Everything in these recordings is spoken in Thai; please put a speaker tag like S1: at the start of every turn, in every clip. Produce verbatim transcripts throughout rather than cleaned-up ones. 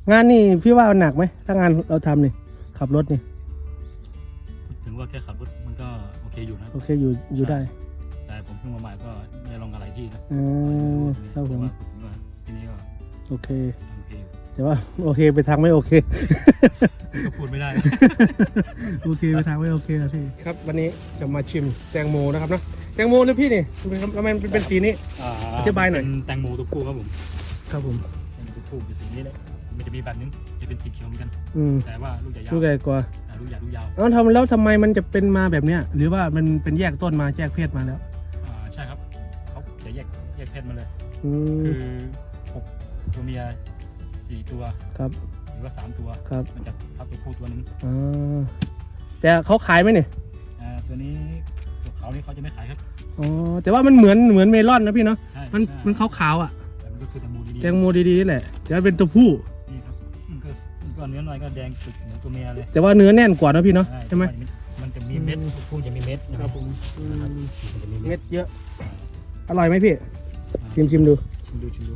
S1: งานนี่พี่ว่าหนักไหมถ้างานเราทำนี่ขับรถนี่
S2: ถึงว่าแค่ขับรถมันก็โอเคอยู่นะ
S1: โอเคอยู่อยู่ได้
S2: แต่ผมเพิ่งมาใหม่ก็ไม่ได้ลองอะไรที่นะ
S1: อืมครับผม
S2: ทีนี้ก็
S1: โอเค
S2: โอเค
S1: แต่ว่าโอเคไปทางไม่โอเค
S2: ก็พูดไม่ได้
S1: โอเคไปทางไม่โอเคนะพี่ครับวันนี้จะมาชิมแตงโมนะครับเนาะแตงโมนะพี่นี่ทำไมเป็นสีนี้อธิบายหน่อย
S2: เป็นแตงโมตัวผู้ครับผม
S1: ครับผม
S2: แตงโมตัวผู้เป็นสีนี้เลยมันจะมีแบบนึงจะเป็นสีเขียวเหมือนกันแต่ว่าลูกใหญ่ยาว
S1: ลูกใหญ่กว่า
S2: ลูกใหญ่ลูกยาว
S1: แล้วทำแล้วทำไมมันจะเป็นมาแบบเนี้ยหรือว่ามันเป็นแยกต้นมาแยกเพศมาแล้ว
S2: อ่าใช่ครับเขาจะแยกแยกเพศมาเลย
S1: คือ
S2: หกตัวเมียสี่ตัว
S1: ครับ
S2: หรือว่าสามตัว
S1: ครับ
S2: มันจะทับตัวผู้ตัวนึง
S1: อ่าแต่เขาขายไหมเนี่ย
S2: อ่าตัวนี้ตัวขาวนี่เขาจะไม่ขายครับ
S1: อ๋อแต่ว่ามันเหมือนเหมือนเมลอนนะพี่เนาะมันมันขาวๆอ่ะ
S2: แต่มันก็คือแตงโมดี
S1: แตงโมดีๆนี่แหละแต่เป็นตัวผู้
S2: นี่ครับมันก็มันก็เนื้อหน่อยก็แดงสุดเหมือนตัวเมียเลย
S1: แต่ว่าเนื้อแน่นกว่านะพี่เนาะใช่ไหม
S2: มันจะมีเม็ดผู้จะมีเม็ดนะครับผม
S1: เม็ดเยอะอร่อยไหมพี่ชิมชิมดู
S2: ชิมดูชิมดู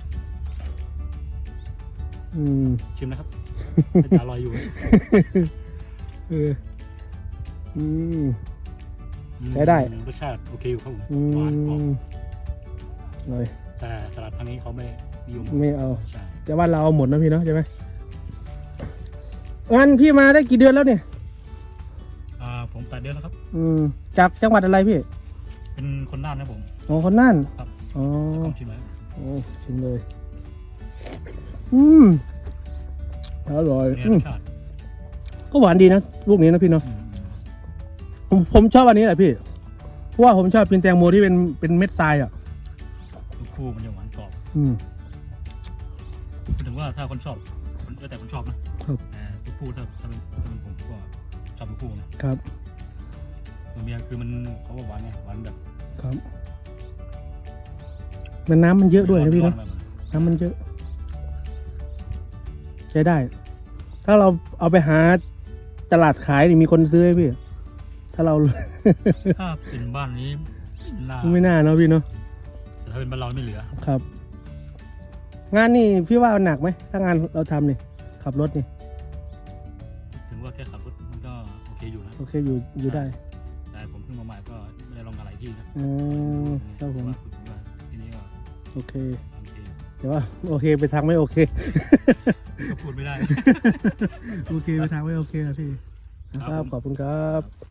S1: อืม
S2: ชิมนะครับอร่อยอยู่
S1: เอออืมใช้ได้
S2: รสชาติโอเคอยู่ครับผม
S1: หวานกรอบอร่อย
S2: แต่ตลาดทางนี้เขาไม่นิยม
S1: ไม่เอาแต่ว่าเราเอาหมดนะพี่เนาะใช่ไหมงั้นพี่มาได้กี่เดือนแล้วเนี่ย
S2: อ่าผมแปดเดือนแล้วครับ
S1: อืมจากจังหวัดอะไรพี่
S2: เป็นคนน่านนะผม
S1: อ๋อคนน่าน
S2: ครับ
S1: อ๋อ
S2: ชิมเลย
S1: โอ้ชิมเลยอืมอร่อยก็หวานดีนะลูกนี้นะพี่เนาะผมผมชอบอันนี้แหละพี่เพราะว่าผมชอบกินแตงโมที่เป็นเป็นเม็ดทรายอ่ะ
S2: ลูกคู่มันจะหวานกรอบ
S1: อืม
S2: ถึงว่าถ้าคนชอบคนแต่คนชอบนะครับแต่ลูกคู่ถ้าถ้าเป็นถ้าเป็นผมก็ชอบลูกคู่นะครับตัวเมียคือมันเขาบอกหวานไงหวานแบบ
S1: ครับมันน้ำมันเยอะด้วยนะพี่เนาะน้ำมันเยอะใช้ได้ถ้าเราเอาไปหาตลาดขายนี่มีคนซื้อไหมพี่ถ้าเรา
S2: ถ้าเป็นบ้านนี้
S1: ไม่น่าเนาะพี่เนาะ
S2: แต่ถ้าเป็นบ้านเราไม่เหลือ
S1: ครับงานนี่พี่ว่าหนักไหมถ้างานเราทำนี่ขับรถนี่
S2: ถึงว่าแค่ขับรถมันก็โอเคอยู่นะ
S1: โอเคอยู่อยู่ได้
S2: แต่ผมเพิ่งมาใหม่ก็ไม่ได้ลองอะไรที่นะ
S1: อืมครับผม
S2: ทีนี้ก็
S1: โอเคแต่ว่าโอเคไปทางไม่โอเค
S2: ก็พูดไม่ได้
S1: โอเคไปทางไม่โอเคนะพี่ครับขอบคุณครับ